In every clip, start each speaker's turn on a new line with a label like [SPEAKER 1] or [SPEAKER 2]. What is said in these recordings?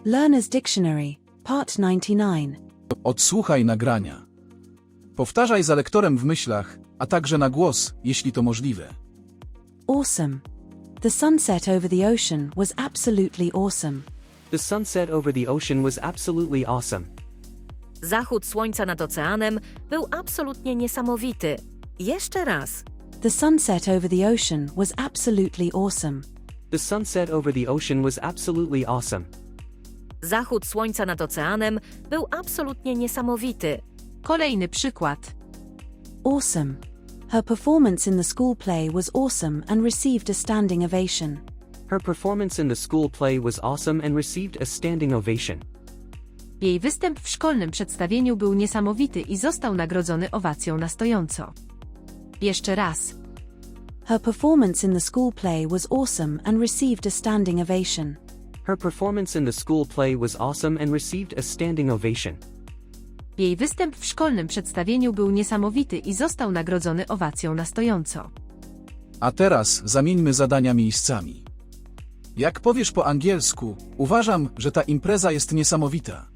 [SPEAKER 1] Learner's Dictionary, Part 99.
[SPEAKER 2] Odsłuchaj nagrania. Powtarzaj za lektorem w myślach, a także na głos, jeśli to możliwe.
[SPEAKER 1] Awesome. The sunset over the ocean was absolutely awesome.
[SPEAKER 3] The sunset over the ocean was absolutely awesome.
[SPEAKER 4] Zachód słońca nad oceanem był absolutnie niesamowity. Jeszcze raz.
[SPEAKER 1] The sunset over the ocean was absolutely awesome.
[SPEAKER 3] The sunset over the ocean was absolutely awesome.
[SPEAKER 4] Zachód słońca nad oceanem był absolutnie niesamowity.
[SPEAKER 5] Kolejny przykład.
[SPEAKER 1] Awesome. Her performance in the school play was awesome and received a standing ovation.
[SPEAKER 3] Her performance in the school play was awesome and received a standing ovation.
[SPEAKER 5] Jej występ w szkolnym przedstawieniu był niesamowity i został nagrodzony owacją na stojąco. Jeszcze raz.
[SPEAKER 1] Her performance in the school play was awesome and received a standing ovation.
[SPEAKER 3] Her performance in the school play was awesome and received a standing ovation.
[SPEAKER 5] Jej występ w szkolnym przedstawieniu był niesamowity i został nagrodzony owacją na stojąco.
[SPEAKER 2] A teraz zamieńmy zadania miejscami. Jak powiesz po angielsku, uważam, że ta impreza jest niesamowita.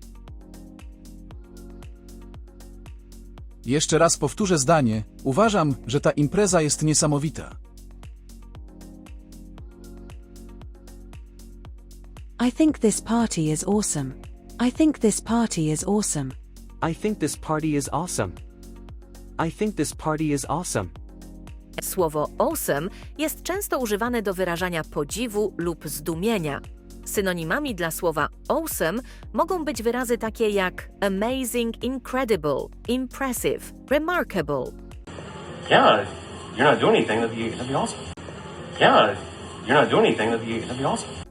[SPEAKER 2] Jeszcze raz powtórzę zdanie, uważam, że ta impreza jest niesamowita.
[SPEAKER 1] I think this party is awesome. I think this party is awesome.
[SPEAKER 3] I think this party is awesome. I think this party is awesome.
[SPEAKER 4] Słowo awesome jest często używane do wyrażania podziwu lub zdumienia. Synonimami dla słowa awesome mogą być wyrazy takie jak amazing, incredible, impressive, remarkable.
[SPEAKER 6] Yeah, you're not doing anything, that'd be awesome. Yeah, you're not doing anything, that'd be awesome.